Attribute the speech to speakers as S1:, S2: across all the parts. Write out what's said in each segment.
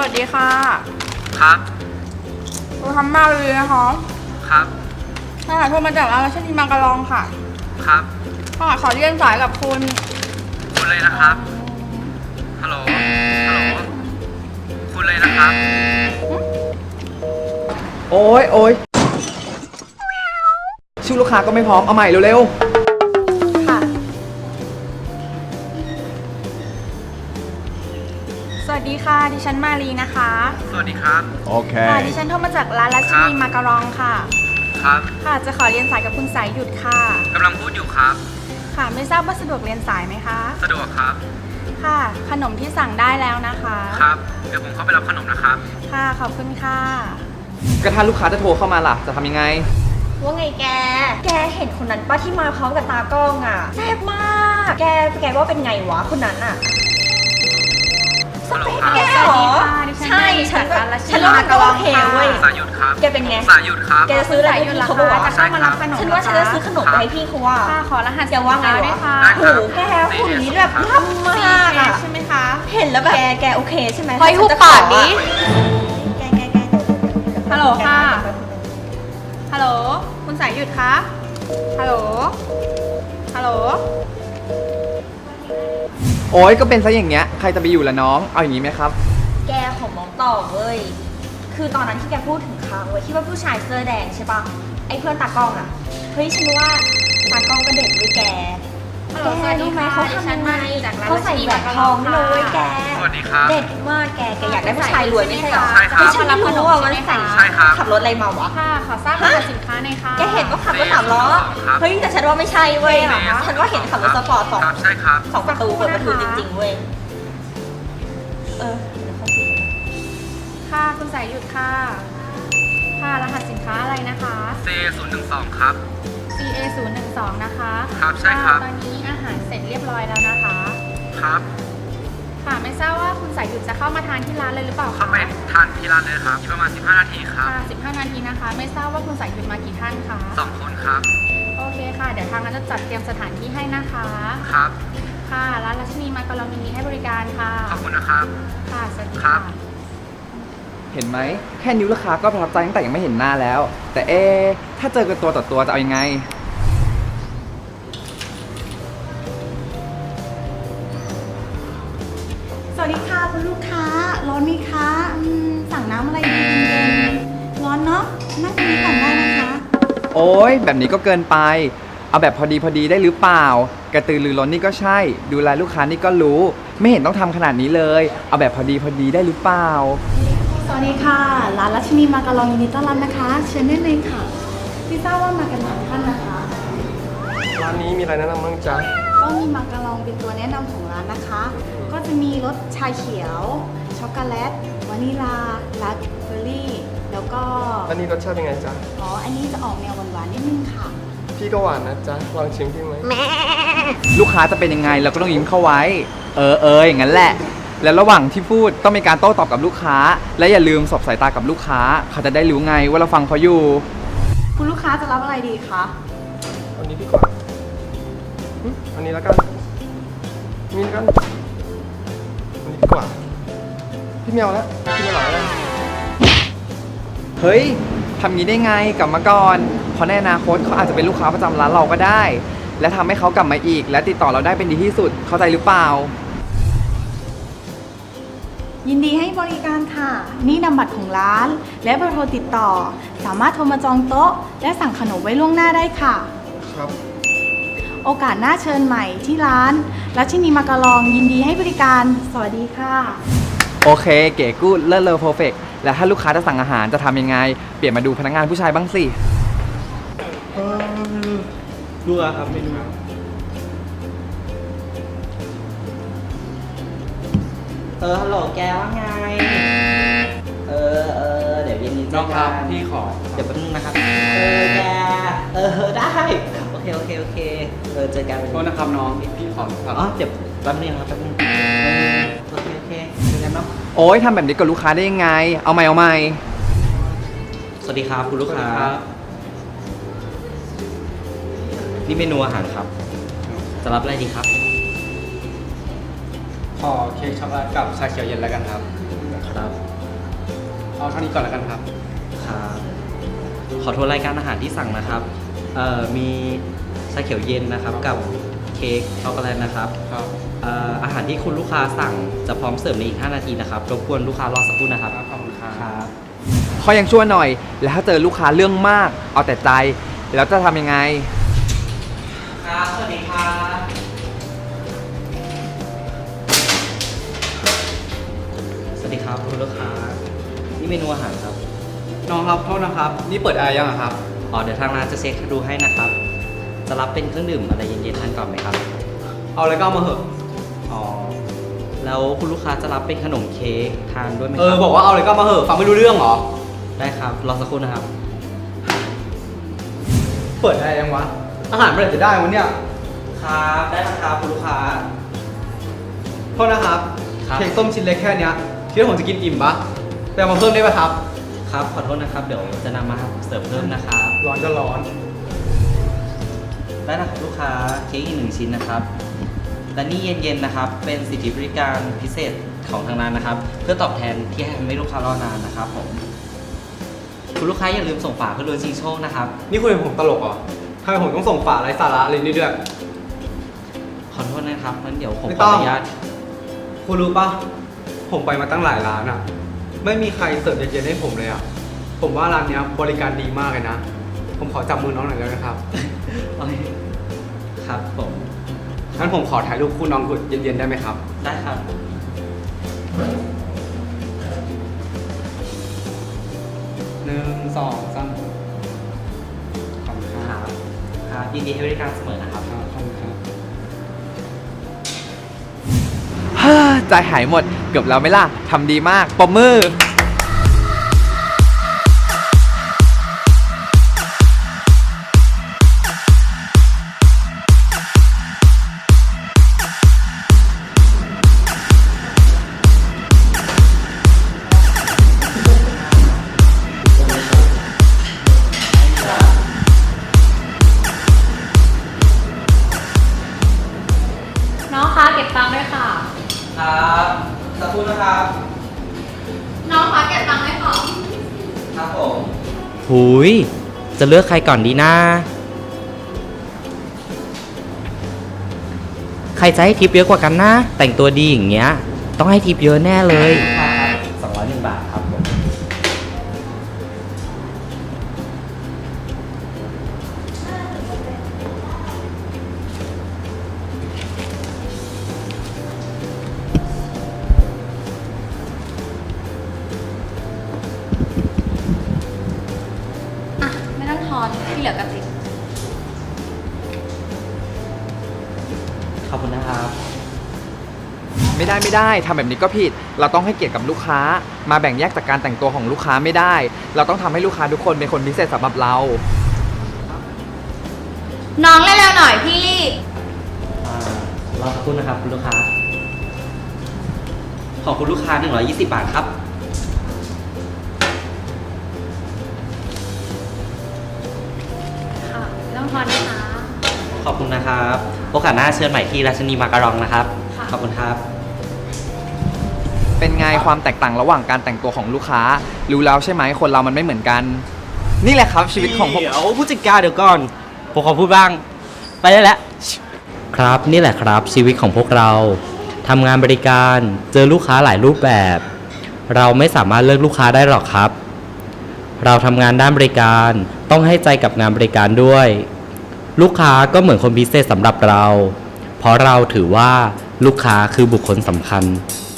S1: วัสดีค่ะ
S2: ครับ
S1: เราทำมากเลยนะคะ
S2: ครับ
S1: ค่ะโทรมาจากร้านรัชนีมังกรลองค่ะ
S2: ครับ
S1: ค่ะขอเรียนสายกับคุณ
S2: คุณเลยนะครับ ฮัลโหล ฮัลโหล คุณเลยนะครับ
S3: โอ๊ยชื่อลูกค้าก็ไม่พร้อม เอาใหม่เร็ว
S1: ค่ะสวัสดีค่ะดิฉันมารีนะคะ
S2: สวัสดีครับ
S3: โอเค
S1: ค่ะดิฉันโทรมาจากร้านรัชนีมังกรลองค่ะ
S2: ครับ
S1: ค่ะจะขอเรียนสายกับคุณสายหยุดค่ะ
S2: กำลังพูดอยู่ครับ
S1: ค่ะไม่ทราบว่าสะดวกเรียนสายไหมคะ
S2: สะดวกครับ
S1: ค่ะขนมที่สั่งได้แล้วนะคะ
S2: ครับ เดี๋ยวผมเข้าไปรับขนมนะครับ
S1: ค่ะขอบคุณค่ะ
S3: ก็ถ้าลูกค้าจะโทรเข้ามาล่ะ จะทำยังไง
S4: ว่าไงแกเห็นคนนั้นป้าที่มาพร้อมกับตากล้องอ่ะแซ่บมาก แกว่าเป็นไงวะคนนั้นอ่ะสเปคแกเหรอ ใช่ฉันว่ามันก็โอเคเว้ย
S2: สายหยุดครับ
S4: แกเป็นไง
S2: สายหยุดครับ
S4: แกจะซื้ออะไรให้พี่เขาบอกว่า
S1: จะเข้ามารับขนม
S4: ฉันว่าฉันจะซื้อขนมไปให้พี่เขาว่า
S1: ค่ะขอรหัส
S4: แกว่าไง
S1: ด้
S4: วะ
S1: ค่ะ
S2: ได้
S4: โห
S2: ครับ
S4: แกหุ่นนี้แบบล่ำมากอ่ะ
S1: ใช่ไหมคะ
S4: เห็นแล้วแบบแกโอเคใช่ไหม
S1: เฮ้ยหุบปากดิ
S4: แก
S1: ฮัลโหลค่ะ ฮัลโหลคุณสายหยุดคะฮัลโหลฮัลโหล
S3: โอ๊ยก็เป็นซะอย่างเงี้ย ใครจะไปอยู่ล่ะน้อง เอาอย่างนี้ไหมครับ
S4: แกของน้องต่อเว้ย คือตอนนั้นที่แกพูดถึงเขาเว้ยที่ว่าผู้ชายเสื้อแดงใช่ปะไอ้เพื่อนตากล้องอะเฮ้ยฉันว่าตากล้องก็เด็กด้วยแก
S1: ฮัลโหลสวัสดีค่ะ
S4: เขา
S1: ดิ
S4: ทำ
S1: ฉั
S4: ยั
S1: น
S4: งไง
S1: มาจากร้าน
S4: เขาใส่แหวนทองเลยเว้ยแก
S2: สวัสดีครับ
S4: เด็ดมากแกอยากได้ผู้ชายรวยไม่ใช่เหรอ
S2: ใช่ครับ
S4: เฮ้ยฉันไม่รู้ว่ามันใส่
S2: ใช่ครับ
S4: ขับรถอะไรมาวะ
S1: ค่ะ ขอทราบรหัสสินค้าหน่อยค่ะ
S4: แกเห็นว่าขับรถสามล้อ
S2: ครับ
S4: เฮ้ยแต่ฉันว่าไม่ใช่เว้ยฉันว่าเห็นขับรถสปอร์ตสอง
S2: ครับ ใช่ครับ
S4: สองประตูเปิดประตูจริงๆเว้ยเดี๋ยวเขาคุยกัน
S1: ค่ะคุณสายหยุดค่ะ ค่ะรหัสสินค้าอะไรนะคะ
S2: C012 ครับ
S1: CA 0 1 2นะคะ
S2: ครับใช่ครับ
S1: ตอนนี้อาหารเสร็จเรียบร้อยแล้วนะคะ
S2: ครับ
S1: ค่ะไม่ทราบว่าคุณสายหยุดจะเข้ามาทานที่ร้านเลยหรือเปล่า
S2: เข้า
S1: คะ
S2: ไปทานที่ร้านเลยครับอีกประมาณ 15 นาทีครับ
S1: ค่ะ15 นาทีนะคะ ไม่ทราบว่าคุณสายหยุดมากี่ท่านคะ
S2: 2 คนครับ
S1: โอเคค่ะ เดี๋ยวทางร้านจะจัดเตรียมสถานที่ให้นะคะ
S2: ครับ
S1: ค่ะร้านรัชนีมังกรยินดีให้บริการค่ะ
S2: ขอบคุณนะครับ
S1: ค่ะสวัสดี
S2: ครั
S1: ค่ะ
S2: บ
S3: เห็นไหม แค่นิ้วลูกค้าก็ประทับใจตั้งแต่ยังไม่เห็นหน้าแล้ว แต่ถ้าเจอกันตัวต่อตัวจะเอายังไง
S5: สวัสดีค่ะคุณลูกค้า ร้อนไหมคะสั่งน้ำอะไรดีเย็นๆร้อนเนาะนั่งตรงนี้ก่อนได้นะคะ
S3: โอ๊ยแบบนี้ก็เกินไป เอาแบบพอดีได้หรือเปล่า กระตือรือร้นนี่ก็ใช่ ดูแลลูกค้านี่ก็รู้ ไม่เห็นต้องทำขนาดนี้เลย เอาแบบพอดีได้หรือเปล่า
S5: สวัสดีค่ะร้านรัชนีมาการองยินดีต้อนรับนะคะเชิญได้เลยค่ะพี่ทราบว่ามากันหลายท่านนะคะ
S2: ร้านนี้มีอะไรแนะนำบ้างจ๊ะ
S5: ก็มีมาการองเป็นตัวแนะนำของร้านนะคะ ก็จะมีรสชาเขียว ช็อกโกแลต วานิลาราสเบอร์รี่ แล้วก็
S6: อันนี้รสชาติเป็นไงจ๊ะ
S5: อันนี้จะออกแนวหวานๆนิดนึงค่ะ
S6: พี่ก็หวานนะจ๊ะ ลองชิมพี่ไหม
S3: ลูกค้าจะเป็นยังไงเราก็ต้องยิ้มเข้าไว้ อย่างนั้นแหละ แล้วระหว่างที่พูดต้องมีการโต้ตอบกับลูกค้า และอย่าลืมสบสายตากับลูกค้า เขาจะได้รู้ไงว่าเราฟังเขาอยู่
S5: คุณลูกค้าจะรับอะไรดีคะ
S6: อันนี้ดีกว่าอันนี้แล้วกันนี่แล้วกันอันนี้ดีกว่า พี่เมียวแล้วพี่ไม่หล่อแล้ว
S3: เฮ้ยทำงี้ได้ไงกลับมาก่อนเพราะในอนาคตเขาอาจจะเป็นลูกค้าประจำร้านเราก็ได้ และทำให้เขากลับมาอีก และติดต่อเราได้เป็นดีที่สุด เข้าใจหรือเปล่า
S5: ยินดีให้บริการค่ะ นี่นำบัตรของร้าน และเบอร์โทรติดต่อ สามารถโทรมาจองโต๊ะ และสั่งขนมไว้ล่วงหน้าได้ค่ะ
S6: ครับ
S5: โอกาสหน้าเชิญใหม่ที่ร้านรัชนีมาการองยินดีให้บริการ สวัสดีค่ะ
S3: โอเค เก๋กูดเลิศเลอเพอร์เฟกและถ้าลูกค้าจะสั่งอาหารจะทำยังไง เปลี่ยนมาดูพนักงานผู้ชายบ้างสิ
S6: ดูอะครับไม่ดู
S7: ฮัลโหลแกว่าไง เดี๋ยวเย็นนี้เจ
S2: น้
S7: อ
S2: องค
S7: กั
S2: รับ
S7: น
S2: พี่ขอ
S7: เดี๋ยวแป๊บนึงนะครับ แก ได้ โอเค เจอกัน
S2: โทษนะครับน้องพี่ขอครับ
S7: อ๋อ เดี๋ยวแป๊บนึงครับแป๊บนึงโอเค เจอกันเนาะ
S3: โอ้ยทำแบบนี้กับลูกค้าได้ยังไง เอาใหม่
S7: สวัสดีครับคุณลูกค้า นี่เมนูอาหารครับ จะรับอะไรดีครับ
S2: ขอเค้กช็อกโกแลตกับชาเขียวเย็นแล้วกันครับ
S7: ครับ
S2: ข
S6: เอาเท่านี้ก่อนแล้วกันครับ
S7: ครับขอโทษรายการอาหารที่สั่งนะครับมีชาเขียวเย็นนะครับกับเค้กช็อกโกแลตนะครับ
S6: ครับ
S7: อาหารที่คุณลูกค้าสั่งจะพร้อมเสิร์ฟในอีก 5 นาทีนะครับรบกวนลูกค้ารอสักครู่นะครับ
S6: ขอบคุณครับ
S7: ครับ
S3: เขายังชั่วหน่อย แล้วถ้าเจอลูกค้าเรื่องมาก เอาแต่ใจ แล้วจะทำยังไง
S7: ครับ สวัสดีครับ สวัสดีครับคุณลูกค้า นี่เมนูอาหารครับ
S6: น้องครับโทษนะครับ นี่เปิดแอร์ยังอะครับ
S7: เดี๋ยวทางร้านจะเช็คดูให้นะครับ จะรับเป็นเครื่องดื่มอะไรเย็นๆทานก่อนไหมครับ
S6: เอาอะไรก็เอามาเหอะ
S7: อ๋อ แล้วคุณลูกค้าจะรับเป็นขนมเค้กทานด้วยไหมครับ
S6: บอกว่าเอาอะไรก็เอามาเหอะ ฟังไม่รู้เรื่องเหรอ
S7: ได้ครับ รอสักครู่นะครับ
S6: เปิดแอร์ยังวะ อาหารเมื่อไหร่จะได้วันเนี้ย
S7: ครับ ได้แล้วครับคุณลูกค้า
S6: โทษนะครับ
S7: ครับ
S6: เค้กส้มชิ้นเล็กแค่เนี้ยคิดว่าผมจะกินอิ่มปะแต่เอามาเพิ่มได้ปะครับ
S7: ครับ ขอโทษนะครับ เดี๋ยวจะนำมาเสิร์ฟเพิ่มนะครับ
S6: ร้อนก็ร้อน
S7: ได้นะครับลูกค้า เค้กอีก1 ชิ้นนะครับ และนี่เย็นๆนะครับ เป็นสิทธิบริการพิเศษของทางร้านนะครับ เพื่อตอบแทนที่ให้ทำให้ลูกค้ารอนานนะครับผม คุณลูกค้าอย่าลืมส่งฝาเพื่อลุ้นชิงโชคนะครับ
S6: นี่คุยกับผมตลกเหรอทำไมผมต้องส่งฝาไร้สาระอะไรนี่ด้วย
S7: ขอโทษนะครับงั้นเดี๋ยวผม
S6: ไม่
S7: ข
S6: ต้
S7: อ
S6: อง
S7: อนุญาต
S6: คุณรู้ปะผมไปมาตั้งหลายร้านอะไม่มีใครเสิร์ฟเย็นๆให้ผมเลยอะผมว่าร้านเนี้ยบริการดีมากเลยนะ ผมขอจับมือน้องหน่อยได้ไหมครับ
S7: โอเคครับผม
S6: งั้นผมขอถ่ายรูปคู่น้องเย็นๆได้ไหมครับ
S7: ได้ครับ
S6: 1 2 3ขอบคุณค
S7: ค
S6: รั
S7: รั
S6: บบ
S7: ครับยินดีให้บริการเสมอนะครับ
S6: ขอบคุณครับ
S3: ใจหายหมด เกือบแล้วไหมล่ะ ทำดีมากปรบมือ
S1: น้องคะเก็บตังค์ด้วยค่ะ
S7: ครับสักครู่นะครับ
S1: น้องคะเก็บตังค์ด้วยค่ะ
S7: ครับผมหุยจะเลือกใครก่อนดีนะ ใครจะให้ทิปเยอะกว่ากันนะ แต่งตัวดีอย่างเงี้ย ต้องให้ทิปเยอะแน่เลย201 บาทครับผม
S1: อ่ะ ไม่ต้องทอน ที่เหลือกระติก
S7: ขอบคุณนะครับ
S3: ไม่ได้ทำแบบนี้ก็ผิด เราต้องให้เกียรติกับลูกค้า มาแบ่งแยกจากการแต่งตัวของลูกค้าไม่ได้ เราต้องทำให้ลูกค้าทุกคนเป็นคนพิเศษสำหรับเรา
S1: น้องเร็วๆหน่อยพี่รีบ
S7: รอสักครู่นะครับคุณลูกค้า ขอบคุณลูกค้า120 บาทครับ
S1: ค่ะ ไม่ต้องทอนนะคะ
S7: ขอบคุณนะครับ โอกาสหน้าเชิญใหม่ที่ราชนีมาการองนะครับ
S1: ค่ะ
S7: ขอบคุณครับ
S3: เป็นไงความแตกต่างระหว่างการแต่งตัวของลูกค้า รู้แล้วใช่ไหมคนเรามันไม่เหมือนกัน นี่แหละครับชีวิตของผม
S7: เดี๋ยวผู้จัดการเดี๋ยวก่อน ผมขอพูดบ้าง ไปได้แล้ว ครับนี่แหละครับชีวิตของพวกเราทำงานบริการเจอลูกค้าหลายรูปแบบ เราไม่สามารถเลือกลูกค้าได้หรอกครับ เราทำงานด้านบริการต้องให้ใจกับงานบริการด้วย ลูกค้าก็เหมือนคนพิเศษสำหรับเรา เพราะเราถือว่าลูกค้าคือบุคคลสำคัญ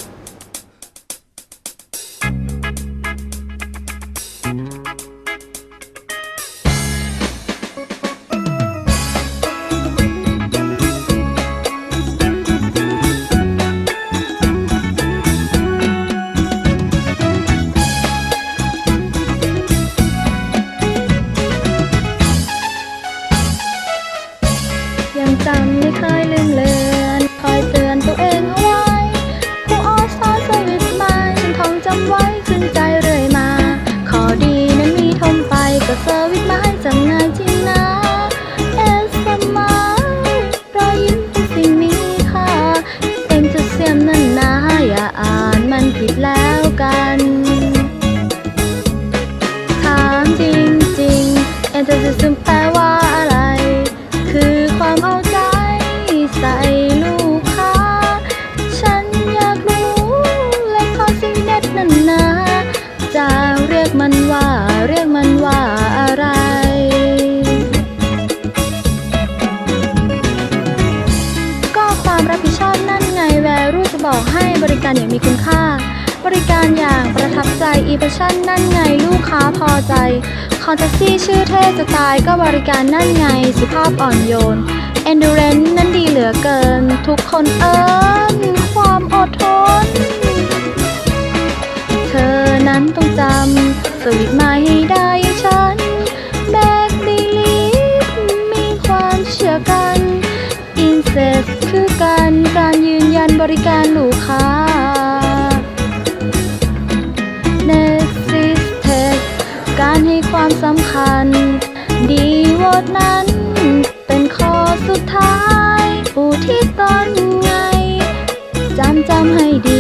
S8: ยังจำไม่เคยลืมเลือนคอยเตือนตัวเองเอาไว้ผู้อ้อสอนสวิตมันท่องจำไว้ขึ้นใจเรื่อยมา ขอดีนั้นมีทมไปก็เซอร์วิสมาให้จำง่ายจริงนะเอสมายรอยยิ้มเป็นสิ่งมีค่าเองจะเสียมนั้นนะอย่าอ่านมันผิดแล้วกันมีคุณค่า บริการอย่างประทับใจอีเพชั่นนั่นไงลูกค้าพอใจคอนแทคซี่ชื่อเท่จะตายก็บริการนั่นไงสุภาพอ่อนโยน Endurance นั้นดีเหลือเกิน ทุกคนความอดทน เธอนั้นต้องจำสวิตมาให้ได้ฉันแบกดีลีฟมีความเชื่อกันอินเซสคือการยืนยันบริการลูกค้า Next Tech การให้ความสำคัญดีวอดนั้นเป็นข้อสุดท้ายอุทิศตนไงจำให้ดี